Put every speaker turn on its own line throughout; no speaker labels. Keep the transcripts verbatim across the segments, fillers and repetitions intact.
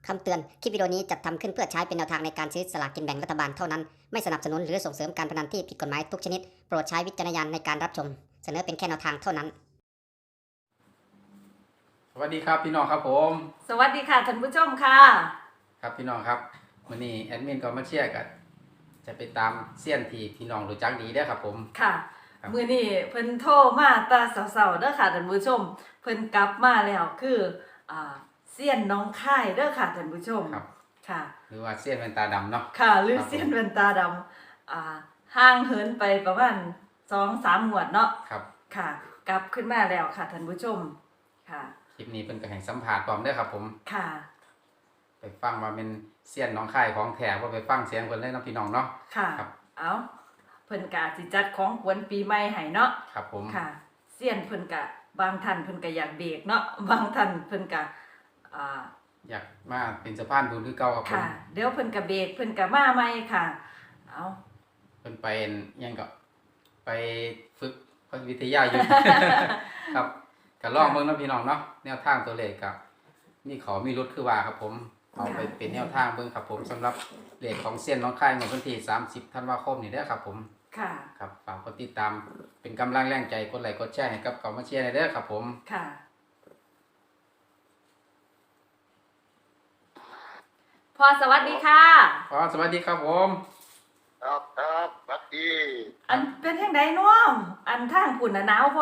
คำเตือน คลิปวิดีโอนี้จัดทำขึ้นเพื่อใช้เป็นแนวทางในการซื้อสลากกินแบ่งรัฐบาลเท่านั้น ไม่สนับสนุนหรือส่งเสริมการพนันที่ผิดกฎหมายทุกชนิด โปรดใช้วิจารณญาณในการรับชม เสนอเป็นแค่แนวทางเท่านั้น
สวัสดีครับพี่น้องครับผม
สวัสดีค่ะท่านผู้ชมค่ะ
ครับพี่น้องครับวันนี้แอดมินก็มาเชียร์กันจะไปตามเสี้ยนที่พี่น้องรู้จักดีได้อครับผม
ค่ะ
ครับ
มื้อนี้เพิ่นโทรมาตาเสาๆเด้อค่ะท่านผู้ชม เพิ่นกลับมาแล้วคืออ่าเซียนน้องค่ายเด้อค่ะท่านผู้ชม
ครับ
ค่ะ
หรือว่าเสี้ยนแว่นตาดำเนาะ
ค่ะหรือ
ครับผม
เซียนแว่นตาดำอ่าห่างเหินไปประมาณ สองสาม งวดเนาะ
ครับ
ค่ะ กลับขึ้นมาแล้วค่ะท่านผู้ชมค่ะ
คลิปนี้เป็นกระแห่งสัมผัสพร้อมเด้อครับผม
ค่ะ
ไปฟังว่าเป็นเสี้ยนน้องค่ายของแท้ว่าไปฟังเสียงคนเลยเนาะพี่น้องเนาะ
ค่ะ
ครับ
เอาเพิ่นกะสิจัดของขวัญปีใหม่ให้เนาะ
ครับผม
ค่ะเซียนเพิ่นกะบางท่านเพิ่นกะอยากเบรกเนาะบางท่านเพิ่นกะอ่า
อยากมาเป็นสะพานบุญคือเก่าครับผม
ค่ะเดี๋ยวเพิ่นกะเบรกเพิ่นกะมาใหม่ค่ะเอา
เป็นไปยังก็ไปฝึกวิทยาอยู่ ครับก็ลองเบิ่งเนาะพี่น้องเนาะแนวทางตัวเลขกับมีเขามีรุดคือว่าครับผมเอาไปเป็นแนวทางเบิ่งครับผมสำหรับเลขของเส้นน้องค่ายในวันที่สามสิบธันวาคมนี่เด้อครับผม
ค่ะ
ครับฝากกดติดตามเป็นกำลังแรงใจกดไลค์กดแชร์ให้กับเก่ามาเชียร์ในเด้อครับผม
ค่ะพอสวัสดีค่ะ
ขอสวัสดีครับผม
ครับครับสวัสดี
อันเป็นจังไดเนาะอันทางพุ่นน่ะหนาวบ่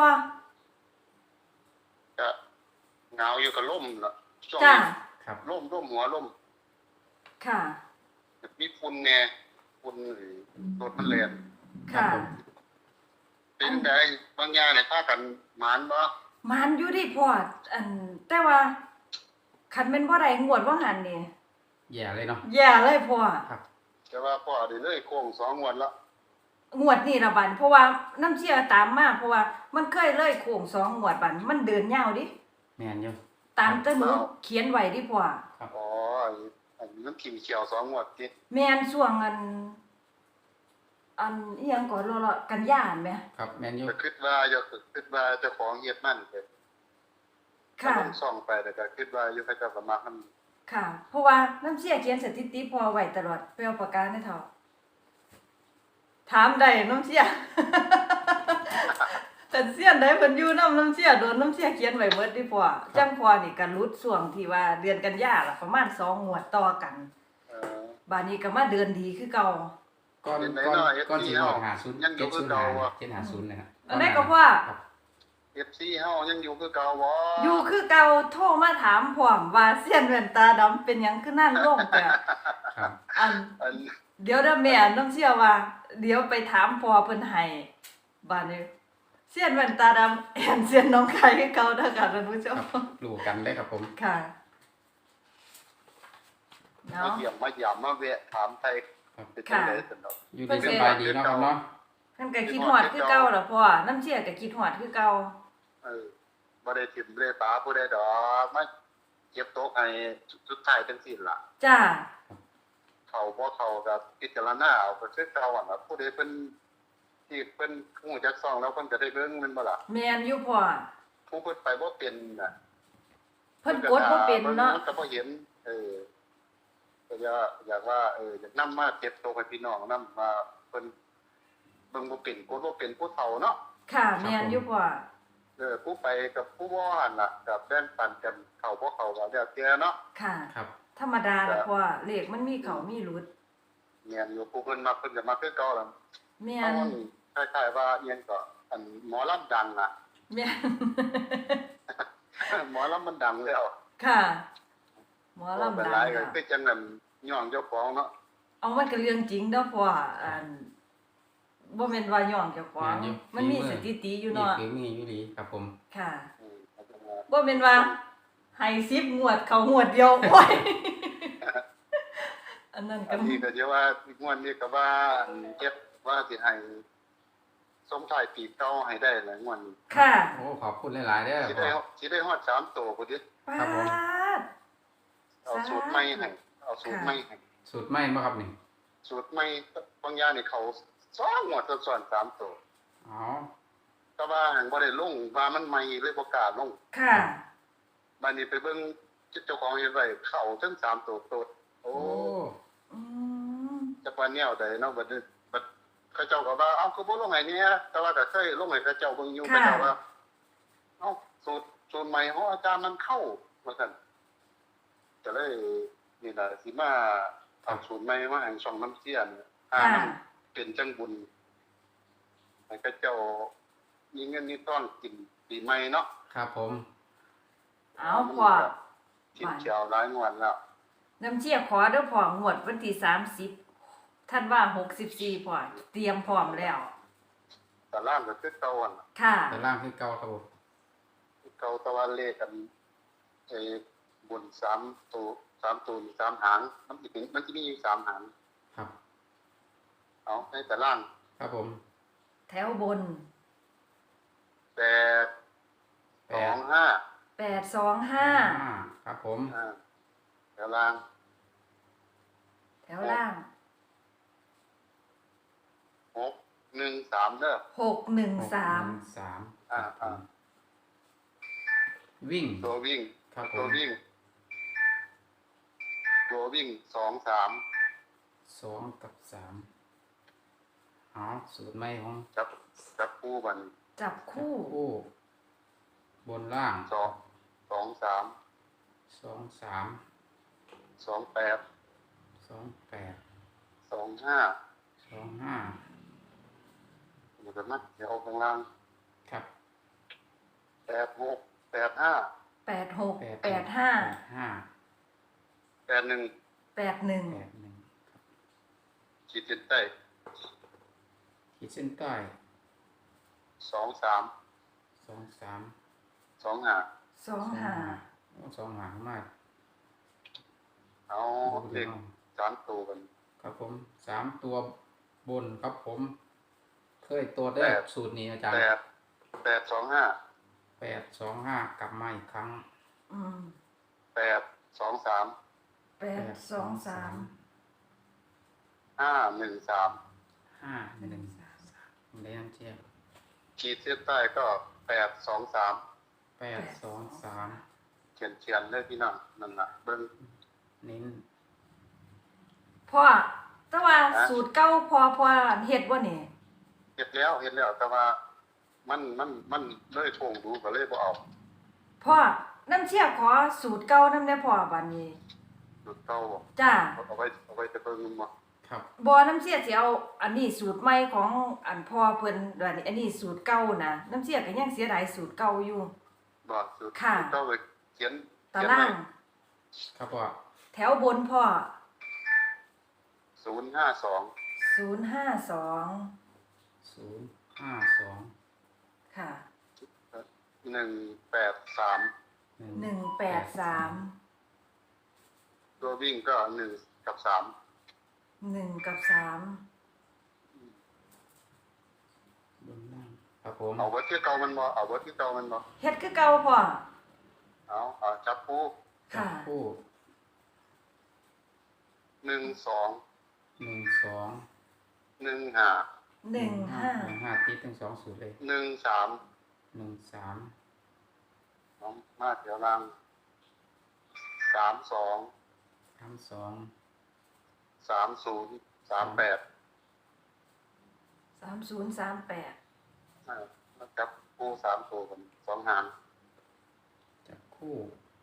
จะเหงาอยู่กับล่มเนาะช่วง
จ้า
นี้
ครับ
ล่มล่มหัวล่ม
ค่ะ
มีฝุ่นแน่ฝุ่นรถมันแล่น
ค่ะ
เป็นไงบางอย่างเนี่ยพากันหมานบ่
มันอยู่ดิพ่ออันแต่ว่าคันแม่นบ่ได้งวดว่าหันนี่
แย่เลยเนาะ
แย่เลยพ่อ
ครับ
แต่ว่าพ่อได้เลยโค้งสองงวดละ
งวดนี่ละบันเพราะว่าน้ำเชี่ยตามมาเพราะว่ามันเคยเลยโค้งสองงวดบันมันเดินยาวดิ
แม่นอยู่
ตามแตะหนูเขียนไว้ดิพ่อ
อ๋ออันนี้น้ำขิงเขียวสองงวดติ
แม่นช่วงอัน อันอีหยังก่อนรอๆกันยานแหม
ครับแม่นอยู่
ก็คิดว่าอย่าคิดว่าเจ้าของเฮ็ดมันเด้
ค่ะ
ลงซ่องไปแต่ก็คิดว่าอยู่เขาเจ้าก็มักมัน
ค่ะ เพราะว่าน้ำเชี่ยเขียนสถิติพอไว้ตลอดไปเอาปากกาในเถาถามได้น้ำเชี่ย แต่เสียนได้เพิ่นอยู่น้ำน้ำเชี่ยโดนน้ำเชี่ยเขียนไว้เบิดดิพ่อจังพ่อนี่ก็รุดช่วงที่ว่าเดือนกันยาล่ะประมาณสองงวดต่อกัน
เออ
บาดนี้ก็มาเดือนดีคือเก่า
ก้อน
เป็นไง
ก้อน
เนาะ
ก้อนสีห
เอฟซี
หาศูนย์
ยังอยู่
เจ็ด
คื
ศู
อน
ย์
เก่า
หา
ว่ะ
เจ็ดหาศูนย์นะครับ
อันนั้นก็ว่า
ครับ
เอฟ ซี เฮายังอยู่คือเก่าบ่
อยู่คือเก่าโทรมาถามพร้อมว่าเสี้ยนแว่นตาดำเป็นหยังคือนั่นลงแต่
ครับ
อัน
อัน
เดี๋ยวเด้อแม่น้ำเชื่อว่า เดี๋ยวไปถามพ่อเพิ่นให้บาดนี้เสี้ยนแว่นตาดำแอนเสี้ยนน้องไข่คือเก่าเด้อค่ะท่านผู้ช
ครั
ม
บรู้กันเลยครับผม
ค่ะ
มา
เนาะ
เยี่ยมมาหยามมาแวะถามไทย
ครับ
เป็นจังได๋ซั่นดอก
อยู่ดีสบายดีเนาะครับเนาะ
เพิ่นก็คิดฮอดคือเก่าล่ะพ่อน้ำเชื่อก็คิดฮอดคือเก่า
เออบ่ได้ทิ่มบ่ได้ปาผู้ใดดอกมาเก็บโต๊ะให้สุดท้ายจังซี่ล่ะ
จ้า
เข้าบ่เข้าก็พิจารณาเอาก็คือเก่าหั่นล่ะผู้ใดเพิ่นที่เพิ่นฮู้จักซ่องแล้วเพิ่นก็ได้เบิ่งแม่นบ่ล่ะ
แม่นอยู่พ่อ
ผู้เพิ่นไปบ่เป็นน่ะ
เพิ่นกดบ่เป็นเนาะ
มันก็บ่เห็นเออก็อยากอยากว่าเอออยากนำมาเก็บโต๊ะให้พี่น้องนำมาเพิ่นเบิ่งบ่เป็นกดบ่เป็นผู้เฒ่าเนาะ
ค่ะแม่นอยู่พ่อ
เออผู้ไปกับผู้บ่หันล่ะกับแบ่งปันกันเข้าบ่เข้าก็แล้วแต่เนาะ
ค่ะ
ครับ
ธรรมดาล่ะพ่อเลขมันมีเขามีหลุด
เงียนอยู่ผู้เพิ่นมักเพิ่นก็มักคือเก่าล่ะ
แม่
เอา
น
คล้ายๆว่าเอียงก็อันหมอลำดังอ่ะ
แม่น
หมอลำมันดังแล้ว
ค่ะ หมอ
บ่
ลำ
เป็น
ดัง
ไรก็
ค่ะ
คือจังนั้นย่องเจ้าของเนาะ
เอามันก็เรื่องจริงเด้อพ่ออันบ่แม่นว่าย่องเจ้าของ
แม่นอยู่
มันมี
ฝีมือ
สถิติอยู่
นี่
เนาะ
คือมีอยู่ดีครับผม
ค่ะ
อืมเอาจังว่า
บ่แม่นว่าให้สิบงวดเขางวดเดียวโอ้ย อันนั้นก็
อันนี้ก็จะว่าอีกงวดนี้ก็ว่าอันเฮ็ดว่าสิให้ส่งท้ายปีเก่าให้ได้หลายงวดนี้
ค่ะ
โอ้ขอบคุณหลายๆเด้อ
สิ
พ่
ได้
อ
สิได้ฮอดสามตัวพุ่นดิ
ปา
ครับผม
ด
เอาสูตรใหม่ให้เอาสูตรใหม่ให้
สูตรใหม่บ่ครับนี่
สูตรใหม่บางอย่างนี่เขาสองงวดซ้อนๆสามตัว
อ๋อ
แต่ว่าหังบ่ได้ลงว่ามันใหม่เลยบ่กล้าลง
ค่ะ
บัดนี้ไปเบิ่งเจ้าของเฮ็ดไว้เข้าทั้งสามตัวโตดโอ้
โอ้
อืม
จักว่าแนวใดเนาะบัดนี้บัดเขาเจ้าก็ว่าเอ้าคือบ่ลงให้เนี่ยแต่ว่าก็เคยลงให้เขาเจ้าเบิ่งอยู่เขาเจ้าว่าเอ้าสูตรสูตรใหม่ของอาจารย์มันเข้าว่าซั่นก็เลยนี่ล่ะสิมาเอาสูตรใหม่มาให้ช่องน้ำเสียเนี่ยอ่า
ค่ะ
มันเป็นจังบุญให้เขาเจ้ามีเงินมีทองกินปีใหม่เนาะ
ครับผม
เอาพ่อ
ทิศเชียวหลายงวดแล้ว
น้ำเชี่ยขอเด้อพ่องวดวันที่สามสิบท่านว่าหกสิบสี่พ่อเตรียมพร้อมแล้ว
แต่ล่างก็คือเก่าอ่ะ
ค่ะ
แต่ล่างคือเก่าครับผม
เก่าตะวันเลขกันไอ้บนสามตัวสามตัวสามหางมันสิเป็นมันสิมีอยู่สามหาง
ครับ
เอาในแต่ล่าง
ครับผม
แถวบน
แปดสองห้า
แปดสองห้า
ห้าครับผม
อ่าแต่ล่าง
แถวล่าง
หกหนึ่งสามเด้อ
หกหนึ่งสาม
หกหนึ่งสาม
อ่าอ่า
วิ่ง
ตัววิ่ง
ครับผ
ตัว
ม
วิ่ง ตัววิ่งสองสาม
สองกับสามเอาสูตรใหม่ของ
จับจับคู่บัน
จับคู่
คู่บนล่าง
สองสองสาม
สองสาม
สองแปด
สองแปด
สองห้า
สองห้า
เดี๋ยวนะเดี๋ยวเอาข้างล่าง
ครับ
แปดหกแปดห้า
แปดหก
แปด
แปดห้า
แปดห้า
แปดหนึ่ง
แปดหนึ่ง
แปดหนึ่ง
ขีดเส้นใต้
ขีดเส้นใต้
สองสาม
สองสาม
สองห้า
สองห้า
โอ้สองหางมาก
เอาเลขสามตัวกัน
ครับผมสามตัวบนครับผม เคยตัวได้
แปด
สูตรนี้อาจารย์
แปดแปดสองห้า
แปดสองห้ากลับมาอีกครั้ง
อืม
แปดสองสาม
แปดสองสาม
ห้าหนึ่งสาม
ห้าหนึ่งสามเรียนเทียบ
ขีดเส้นใต้ก็แปดสองสาม
แปดสองสาม
เขียนเขียนเลยพี่น้องนั่นน่ะเบิ้ง
เน้น
พ่อแต่ว่าสูตรเก้าพอพอเฮ็ดบ่นี่
เห็นแล้วเห็นแล้วแต่ว่ามันมันมันเลยทวงดูก็เลยบ่เอา
พ่อน้ำเชี่ยขอสูตรเก้าน้ำได้พ่อบัดนี้
ดูเก่า
จ้า
เอาไว้เอาไว้จะเบิ่งมันบ่
ครับ
บ่น้ำเชี่ยสิเอาอันนี้สูตรใหม่ของอันพ่อเพิ่นบัดนี้อันนี้สูตรเก่านะน้ำเชี่ยก็ยังเสียดายสูตรเก่าอยู่
บ่สุด
ค่ะ
เก่าเลยเขียน
ตาราง
ครับว่า
แถวบนพ่อ
ศูนย์ห้าสอง
ศูนย์ห้าสอง
ศูนย์ห้าสอง
ค่ะ
หนึ่งแปดสาม
หนึ่งแปดสาม
ตัววิ่งก็หนึ่งกับสาม
หนึ่งกับสาม
บนล่างครับผม
เอาไว้ที่เก่ามันบ่เอาไว้ที่เก่ามันบ่
เฮ็ดคือเก่าพ่อ
เอาเอาจับคู่
ค่ะ
คู่
หนึ่งสอง
หนึ่งสอง
หนึ่งห้า
หนึ่งห้า
หนึ่งห้าติดทั้งสองสูตรเลย
หนึ่งสาม
หนึ่งสาม
น้องมาเดี๋ยวล่างสามสอง
สามสอง
สามศูนย์สามแปด
สามศูนย์สามแปด
จับคู่สามตัวกันสองหาง
จับคู่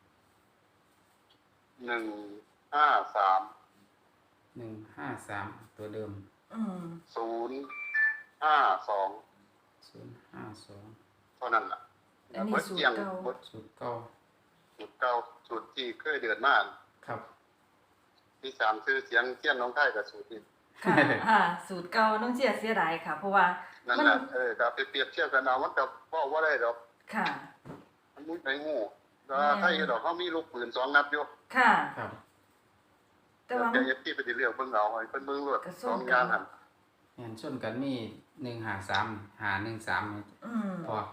หนึ่งห้าสาม
หนึ่งห้าสามตัวเดิม
อืม
ศูนย์ห้าสอง
ศูนย์ห้าสอง
เท่านั้นล่ะ
อันนี้
เบิด
สูต
เที่
ร
ยง
เก่า
เบิด
สูตรเก้า
สูตรเก่าสูตรที่เคยเดือดมาก
ครับ
ที่สามคือเสียงเทียนน้องไข่กับสูตรนี้
ค่ะอ่าสูตรเก่าน้องเชี่ยเสียดายค่ะ เพราะว่า
นั่น
มัน
แหละเออกับไปเปรียบเทียบกันเอามันกับพ่อว่าได้ดอก
ค่ะ
มันมุ้ยไปงูแล้วไทยดอกเขามีลูกปืนสองนัดอยู่
ค่ะ
ครับ
แต่ว่า
เดี๋ยวเอฟที่ไปติเรียกเบิ่งเอาให้เพิ่นเบิ่งรวด
กระ
ส
ส้
อ
ม
งอย่างหัน
เห็นชนกันนี่หนึ่งหาสามหาหนึ่งสาม
อืม
พอ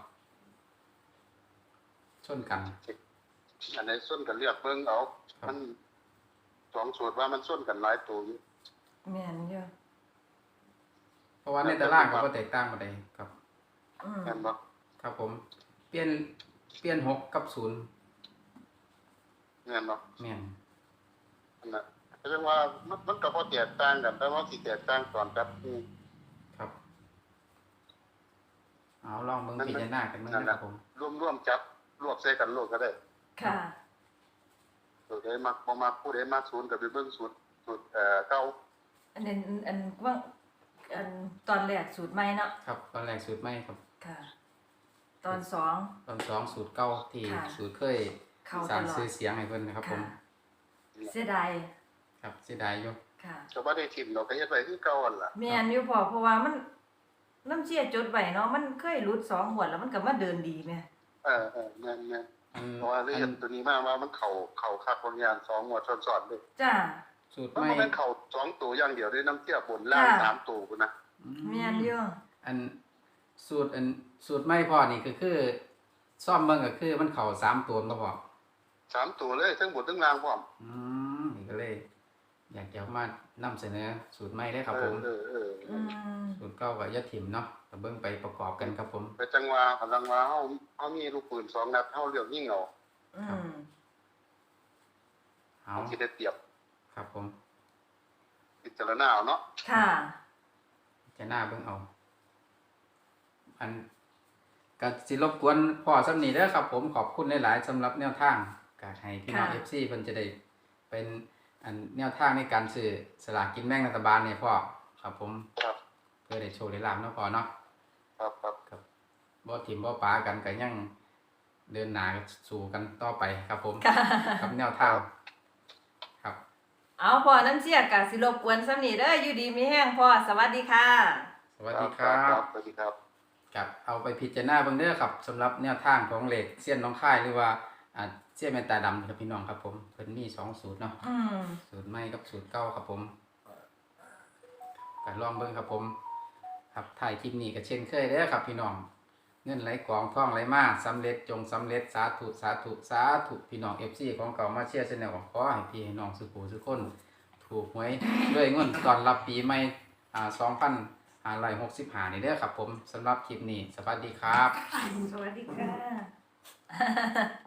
ชนกัน
อันไหนส้นกันเรียกเบิ่งเอา
ครับ
มันสองสูตรว่ามันส้นกันหลายตัวอยู่
แม่นอยู่
เพราะว่าในตารางเขาก็แตกต่างกันเลยครับ
อืม
แม่นบ่
ครับผม เปลี่ยนเปลี่ยนหกกับศูนย์
เงินเนาะ
แม่น
นั่นน่ะก็จังว่ามันมันก็บ่แตกต่างกันแต่ว่าสิแตกต่างตอนกับอืม
ครับเอาลองเบิ่งพิจารณากันเบิ่งนะครับผม
ร่วมๆจับรวบใส่กันโลดก็ได้
ค่ะ
ตัวใดมักบ่มักผู้ใดมักศูนย์ก็ไปเบิ่งสูตรสูตรเอ่อเก่า
อันนั้นอันว่าอันตอนแรกสูตรใหม่เนาะ
ครับตอนแรกสูตรใหม่ครับ
ค่ะ ตอนสอง
ตอนสองสูตรเก่าที่
ค่ะ
สูตรเคย
เข้า
ส
ต
ร้าง
ลอ
ชื่อ
ด
เสียงให้เพิ่นนะครับผม
ค่ะเสียดาย
ครับเสียดายอยู่
ค่ะ
ก็บ่ได้ทิ่มดอกก็เฮ็ดไว้คือเก่าหั่นล่ะ
แม่นอยู่พอเพราะว่ามันน้ำเชี่ยจดไว้เนาะมันเคยหลุดสองหัวดแล้วมันก็มาเดินดีแม่
เออเออแม่น
อัน
ๆเพราะว่าเรียนตัวนี้มาว่ามันเข้าเข้าคักบางอย่างสองงวดซ้อนๆเด้
จ้า
สูตร
มัน
ใหม่
บ่แม่นเข้าสองตัวอย่างเดียวเด้น้ำเตี้ยบนล่าง
ค่ะ
สามตัวพุ่นนะ
อื
แม่นอยู่
อันสูตรอันสูตรใหม่พ่อนี่ก็คือซ่อมเบิ่งก็คือมันเข้าสามตัวบ่พอ
สามตัวเลยทั้งบนทั้งล่างพร้อม
อืมนี่ก็เลย อยากจะมานำเสนอสูตรใหม่เลยครับ
เอ
ผ
อ
ม
เออเออ
อืม
สูตรเก่าก็อย่าถิ่มเนาะก็เบิ่งไปประกอบกันครับผม
ไปจังหวะกำลังว่าเฮาเฮามีลูกปืนสองนัดเฮาเลือกยิงเอา
อืม
เอา
มันสิได้เปรียบ
ครับผม
พิจารณาเอาเนาะ
ค่ะ
จะหน้าเบิ่งเอา อันก็สิรบกวนพ่อสำนีเด้อครับ ผมขอบคุณหลายๆสำหรับแนวทางก็ให้พี่น้อง
ค่ะ
เอฟซีเพิ่นจะได้เป็นอันแนวทางในการซื้อสลากกินแบ่งรัฐบาลเนี่ยพ่อครับผม
ครับ
เพื่อได้โชว์ได้ลาบเนาะพ่อเนาะ
ครับครับ
ครับบ่ทิมบ่ปากันก็ยังเดินหน้าสู่กันต่อไปครับผม
ค่ะ
กับแนวทางครับ
เอาพอน้ำเชี่ยกะสิรบกวนซ้ำนี่เด้ออยู่ดีมีแห้งพ่อสวัสดีค่ะ
สวัสดีครับ
สวัสดีครับ
กับเอาไปพิจารณาเบิ่งเด้อครับสำหรับแนวทางของเหล็กเสี้ยนน้องค่ายหรือว่าอ่าเสี้ยนแมนตาดำครับพี่น้องครับผมเพิ่นมีสองสูตรเนาะ
อืม
สูตรใหม่กับสูตรเก่าครับผมก็ลองเบิ่งครับผม ครับถ่ายคลิปนี้ก็เช่นเคยเด้อครับพี่น้องเงินไหลกองท่องไหลมาสำเร็จจงสำเร็จสาธุสาธุสาธุพี่น้อง เอฟ ซี ของเก่ามาเชียร์แนลขอให้พี่ให้น้องสุขูสุขคน ถูกหวยด้วยเงินตอนรับปีใหม่อ่าสองพันห้าร้อยหกสิบห้านี่เด้อครับผมสำหรับคลิปนี้สวัสดีครับ
สวัสดีค่ะ